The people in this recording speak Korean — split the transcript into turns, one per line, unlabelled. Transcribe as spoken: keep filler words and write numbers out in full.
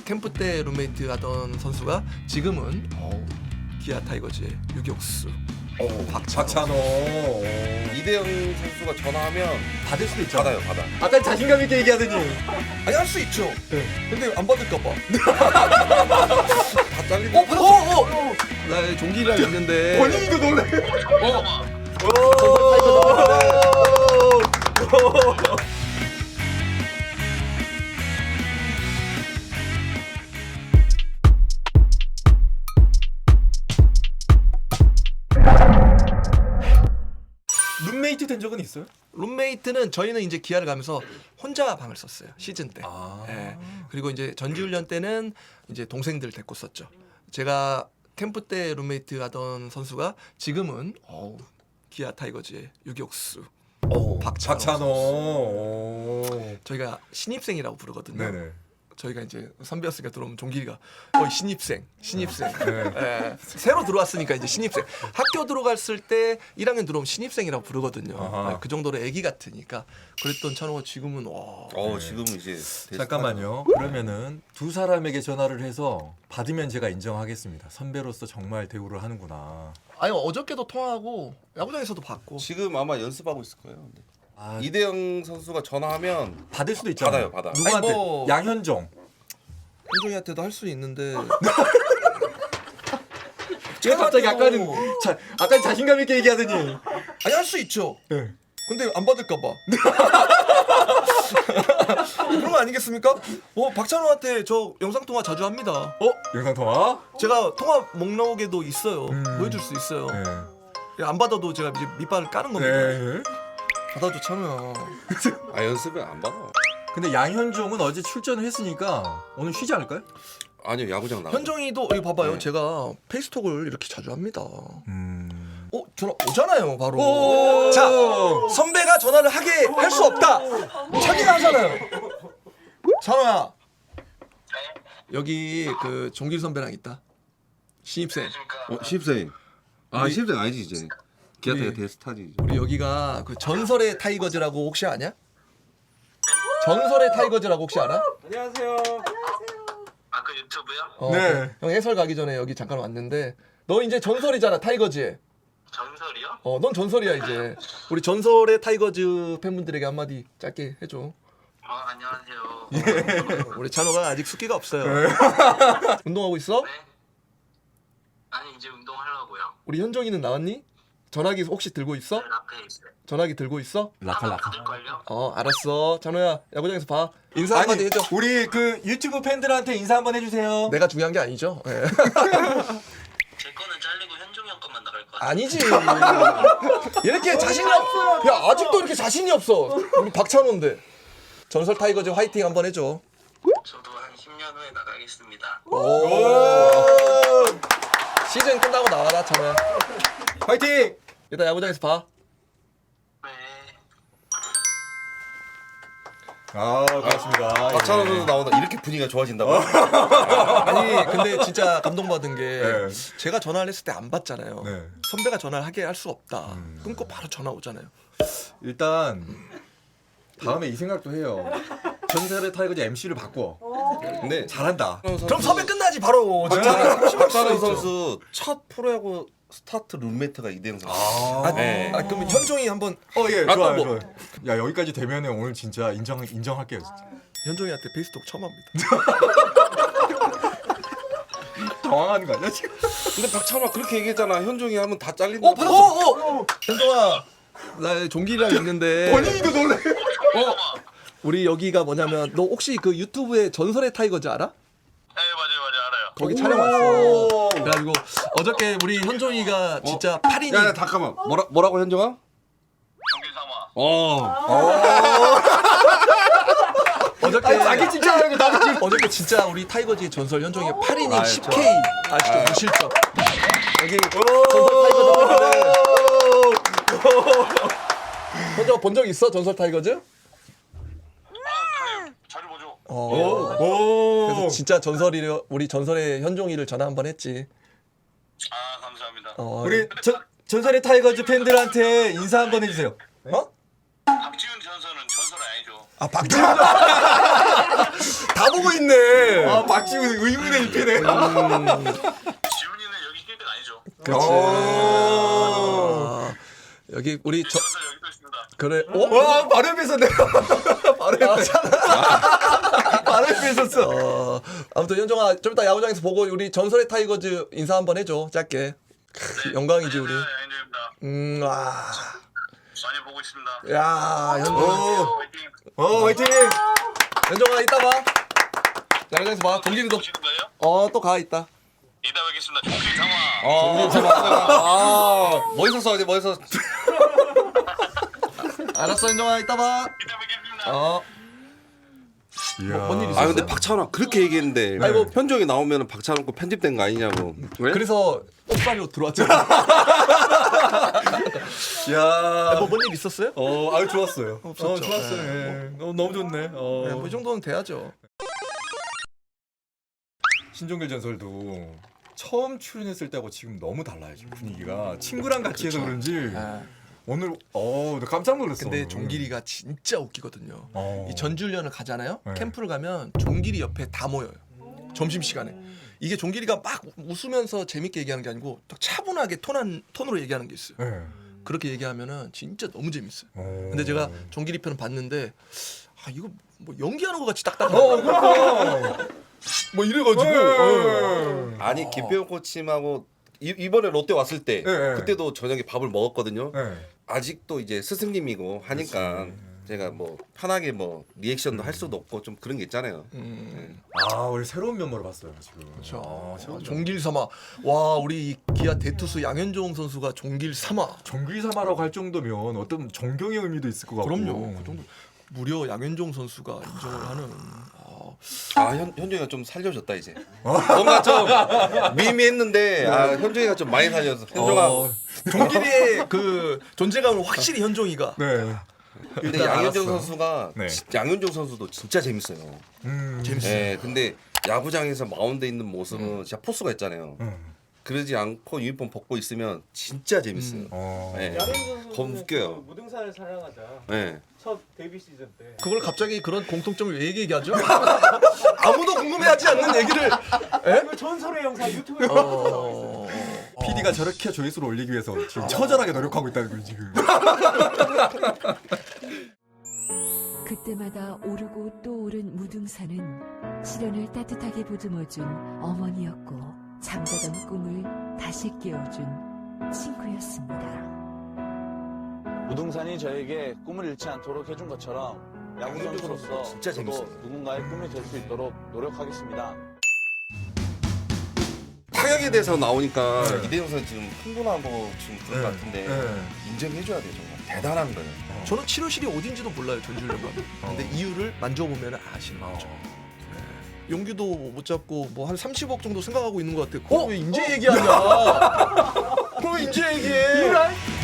캠프 때 룸메이트 하던 선수가 지금은 어, 기아 타이거즈의 유격수
어,
박찬호.
박찬호.
이대영 선수가 전화하면
받을 수도 있죠.
받아요, 받아.
아까 자신감 있게 얘기하더니.
아니 할 수 있죠.
네.
근데 안 받을까 봐.
다 잘리고.
어, 받았어. 어, 어. 나 종기랑 있는데.
본인도 놀래.
어.
룸메이트 된 적은 있어요?
룸메이트는 저희는 이제 기아를 가면서 혼자 방을 썼어요. 시즌 때.
아.
예. 그리고 이제 전지훈련 때는 이제 동생들 데리고 썼죠. 제가 캠프 때 룸메이트 하던 선수가 지금은 어, 기아 타이거즈의 유격수
어,
박찬호.
박찬호. 오.
저희가 신입생이라고 부르거든요.
네네.
저희가 이제 선배였으니까 들어오면 종길이가 어 신입생, 신입생.
네.
예. 새로 들어왔으니까 이제 신입생. 학교 들어갔을 때 일 학년 들어오면 신입생이라고 부르거든요.
아하.
예, 그 정도로 애기 같으니까. 그랬던 찬호가 지금은 와.
어, 지금 이제
잠깐만요. 그러면은 두 사람에게 전화를 해서 받으면 제가 인정하겠습니다. 선배로서 정말 대우를 하는구나.
아니 어저께도 통화하고 야구장에서도 받고.
지금 아마 연습하고 있을 거예요. 근데.
아,
이대영 선수가 전화하면
받을 수도 있잖아요.
받아요, 받아.
누구한테?
아니, 뭐-
양현종.
현종이한테도 할 수 있는데.
제가 갑자기 아까는 자, 아까 자신감 있게 얘기하더니.
아니 할 수 있죠.
네.
근데 안 받을까 봐. 그런 거 아니겠습니까? 어 박찬호한테 저 영상 통화 자주 합니다. 어
영상 통화?
제가 통화 목록에도 있어요.
음.
보여줄 수 있어요.
네.
안 받아도 제가 이제 밑발을 까는 겁니다.
네.
받아줘 찬호야.
아, 연습을 안 받아.
근데 양현종은 어제 출전을 했으니까 오늘 쉬지 않을까요?
아니요, 야구장 나.
현종이도 여기 봐봐요.
네.
제가 페이스톡을 이렇게 자주 합니다.
음.
어 전화 오잖아요 바로.
오!
자 선배가 전화를 하게 할 수 없다. 자기가 하잖아요. 찬호야. 여기 그 종길 선배랑 있다. 신입생.
어, 신입생. 아,
우리-
신입생 아니지 이제. 기아
우리-
타이거 대스타지. 이제.
우리 여기가 그 전설의 타이거즈라고 혹시 아냐? 전설의 타이거즈라고 혹시 알아?
안녕하세요.
아 그 유튜브요?
어,
네.
형 해설 가기 전에 여기 잠깐 왔는데 너 이제 전설이잖아 타이거즈에.
전설이요?
어, 넌 전설이야 이제. 우리 전설의 타이거즈 팬분들에게 한마디 짧게 해줘.
어 안녕하세요.
우리 찬호가 아직 숫기가 없어요. 운동하고 있어?
네. 아니 이제 운동하려고요.
우리 현종이는 나왔니? 전화기 혹시 들고 있어?
늘 앞에 있어요.
전화기 들고 있어?
라카 라카.
받을걸요?
어 알았어. 찬호야 야구장에서 봐. 인사 한마디 해줘.
우리 그 유튜브 팬들한테 인사 한번 해주세요.
내가 중요한 게 아니죠. 예.
제 거는 잘리고 현종이 형 것만 나갈 것 같아요.
아니지. 이렇게 자신이 없. 야 아직도 이렇게 자신이 없어. 우리 박찬호인데. 전설 타이거즈 화이팅 한번 해줘.
저도 한 십 년 후에 나가겠습니다.
오. 시즌 끝나고 나와라 찬호야.
화이팅!
일단 야구장에서 봐.
네.
아 고맙습니다.
박찬호
예.
선수 나오다 이렇게 분위기가 좋아진다고?
아니 근데 진짜 감동받은 게
네.
제가 전화를 했을 때 안 받잖아요.
네.
선배가 전화를 하게 할 수 없다.
음.
끊고 바로 전화 오잖아요.
일단 다음에 이 생각도 해요. 전설의 타이거즈 엠씨를 바꿔.
근데
잘한다.
그럼 섭외 끝나지 바로.
박찬호, 박찬호 선수 첫 프로야구 스타트 룸메이트가 이대영 선수.
아,
네.
아 그럼 현종이 한번
어, 예,
아,
좋아요,
뭐.
좋아요. 야, 여기까지 되면은 오늘 진짜 인정, 인정할게요, 진짜.
현종이한테 페이스톡 처음 합니다.
당황하는 거 아니야, 지금?
근데 박찬호가 그렇게 얘기했잖아. 현종이 하면 다 잘린다.
어 받았어. 어, 어. 현종아 나 종기랑 있는데.
본인도 놀래.
어 우리 여기가 뭐냐면 너 혹시 그 유튜브에 전설의 타이거즈 알아?
네 맞아요 맞아요 알아요.
거기 촬영 왔어. 그래가지고 어저께 우리 현종이가 진짜 팔 인이
야, 야, 잠깐만. 뭐라 뭐라고 현종아?
종길 삼아.
어.
어저께
자기 칭찬하는 거 나도 지금.
어저께 진짜 우리 타이거즈 전설 현종이가 팔 이닝
아유,
십 케이 아시죠?
아유.
무실점. 여기 전설 타이거즈 현종 본 적 있어? 전설 타이거즈?
아 자주 보죠.
어.
오.
그래서 진짜 전설이 우리 전설의 현종이를 전화 한 번 했지.
아 감사합니다.
어.
우리 전, 전설의 타이거즈 팬들한테 인사 한번 해주세요.
어?
박지훈 전설은 전설 아니죠.
아 박지훈 다 보고 있네.
아 박지훈 의문의 일피네.
지훈이는 여기 힐백 아니죠?
그렇지. 아, 여기 우리 저
저분들 여기 또 있습니다.
그래. 어?
와 바로 옆에 있었네. 바로 옆에. 바로 옆에 있었어.
어, 아무튼 현종아 좀 이따 야구장에서 보고 우리 전설의 타이거즈 인사 한번 해줘. 짧게. 크, 영광이지 우리.
양현종입니다.
음, 와.
많이 보고 있습니다.
야, 현종.
오.
화이팅.
어 화이팅.
현종아 이따 봐. 야구장에서 봐. 동길이도.
보시는 거예요?
어, 또 가 있다.
이따 뵙겠습니다. 종필 상화.
어, 아, 멋있었어, 어제 멋있었어.
알았어, 현종아 이따 봐.
이따 뵙겠습니다.
어.
이야.
뭔 일이
아, 근데 박찬호 그렇게 얘기했는데
아이고.
현종이 나오면 박찬호 거 편집된 거 아니냐고. 왜?
그래서 옥살이로 들어왔잖아.
야.
뭐 뭔 일 있었어요?
어, 아유 좋았어요.
없었죠.
어, 좋았어요. 예. 너무 너무 좋네. 어.
네, 뭐이 정도는 돼야죠.
신종길 전설도 처음 출연했을 때하고 지금 너무 달라요. 지금 분위기가 친구랑 같이 해서 그런지
아,
오늘 어, 나 깜짝 놀랐어.
근데
오늘.
종길이가 진짜 웃기거든요.
어.
이 전주훈련을 가잖아요.
네.
캠프를 가면 종길이 옆에 다 모여요. 점심 시간에. 이게 종길이가 막 웃으면서 재밌게 얘기하는 게 아니고 딱 차분하게 톤한 톤으로 얘기하는 게 있어요.
네.
그렇게 얘기하면은 진짜 너무 재밌어요.
어.
근데 제가 종길이 편을 봤는데 아 이거 뭐 연기하는 것 같이 딱딱하다.
어, 그러니까.
뭐 이래가지고. 어.
네.
아니 김병호 코치님하고 이, 이번에 롯데 왔을 때
네, 네.
그때도 저녁에 밥을 먹었거든요.
네.
아직도 이제 스승님이고 하니까
그렇지.
제가 뭐 편하게 뭐 리액션도 할 수도 없고 좀 그런 게 있잖아요.
음,
아, 우리 새로운 면모를 봤어요, 지금.
그렇죠.
아, 새로운 면모.
종길 삼아. 와 우리 이 기아 대투수 양현종 선수가 종길 삼아.
정글사마라고 할 정도면 어떤 존경의 의미도 있을 것 같고.
그럼요. 그 정도. 무려 양현종 선수가 인정을 하는. 아,
아 현, 현종이가 좀 살려줬다 이제. 뭔가 좀 미미했는데 아 현종이가 좀 많이 살려서 현종아.
어, 종길이의 그 존재감을 확실히 현종이가.
네.
근데
일단
양현종
알았어.
선수가
네.
지- 양현종 선수도 진짜 재밌어요.
음.
재밌어요.
예, 근데 야구장에서 마운드에 있는 모습은 진짜 포스가 있잖아요.
음.
그러지 않고 유니폼 벗고 있으면 진짜 재밌어요.
음.
어.
예.
양현종
겁 웃겨요.
그 무등산을 사랑하자
예.
첫 데뷔 시즌 때
그걸 갑자기 그런 공통점을 왜 얘기하죠? 아무도 궁금해하지 않는 얘기를.
그 전설의 영상 유튜브에
어...
피디가 저렇게 조회수를 올리기 위해서 지금 처절하게 노력하고 있다는 거예요, 지금.
그때마다 오르고 또 오른 무등산은 시련을 따뜻하게 보듬어준 어머니였고 잠자던 꿈을 다시 깨워준 친구였습니다.
무등산이 저에게 꿈을 잃지 않도록 해준 것처럼 야구 선수로서
진짜
저도
재밌어요.
누군가의 꿈이 될 수 있도록 노력하겠습니다.
타격에 대해서 나오니까
네.
이대용 선수 지금 흥분하고 지금 그런 것 같은데
네.
인정해줘야 돼요 정말 대단한 거예요.
저는 치료실이 어딘지도 몰라요 전주훈련가. 근데 이유를 만져보면 아시는 거죠. 네. 용기도 못 잡고 뭐 한 삼십억 정도 생각하고 있는 것 같아. 그걸 왜 인제 얘기하냐? 그걸 왜 인제 얘기해?